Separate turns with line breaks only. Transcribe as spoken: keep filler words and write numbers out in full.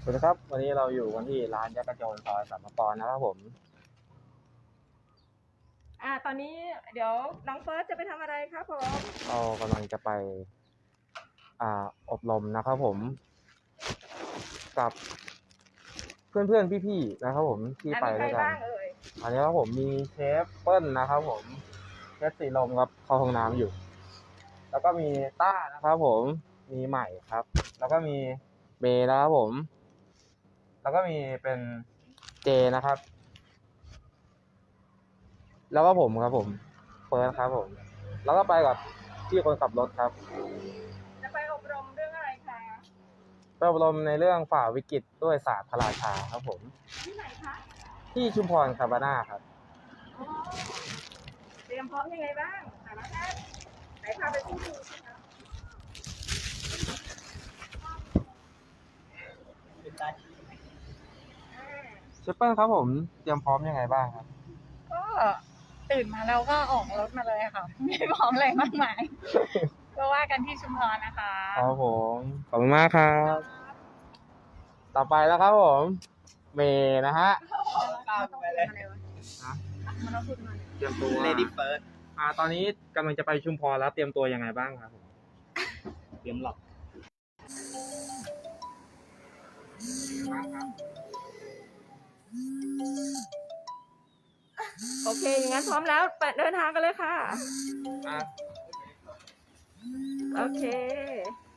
สวัสดีครับวันนี้เราอยู่กันที่ร้านยักษ์กระโจนซอยสามปอนนะครับผม
อ่าตอนนี้เดี๋ยวน้องเฟิร์สจะไปทำอะไรครับผม
เรากำลังจะไปอ่าอบรมนะครับผมกับเพื่อนๆพี่ๆนะครับผมที่ไปด้วยกันอันนี้ครับผมมีเชฟเปิ้ลนะครับผมเชฟสีลมครับเข้าห้องน้ำอยู่แล้วก็มีต้านะครับผมมีใหม่ครับแล้วก็มีเมย์นะครับผมแล้วก็มีเป็นเจนะครับแล้วก็ผมครับผมเฟิร์สครับผมแล้วก็ไปกับพี่คนขับรถครับ
จะไปอบรมเรื่องอะไรคะ
ไปอบรมในเรื่องฝ่าวิกฤตด้วยศาสตร์พระราชาครับผม
ที่ไหนคะ
ที่ชุมพรคาบาน่าครับ
เตรียมพร้อมยังไงบ้างแต่ละท่านไหนพาไปพูดดูสิคะ
เชฟเปิ้ลครับผมเตรียมพร้อมยังไงบ้างครับ
ก็ตื่นมาแล้วก็ออกรถมาเลยค่ะไม่พร้อมอะไรมากมายก็ว่ากันที่ชุมพรนะคะ
ครับผมขอบคุณมากครับต่อไปแล้วครับผมเมย์นะฮะ
ไปเลยมันต้องพูดมา
เตรียมตัว
Lady First
อ่าตอนนี้กำลังจะไปชุมพรแล้วเตรียมตัวยังไงบ้างครับ
เตรียมหลับ
โอเคอย่างนั้นพร้อมแล้วไปเดินทางกันเลยค่ะโอเค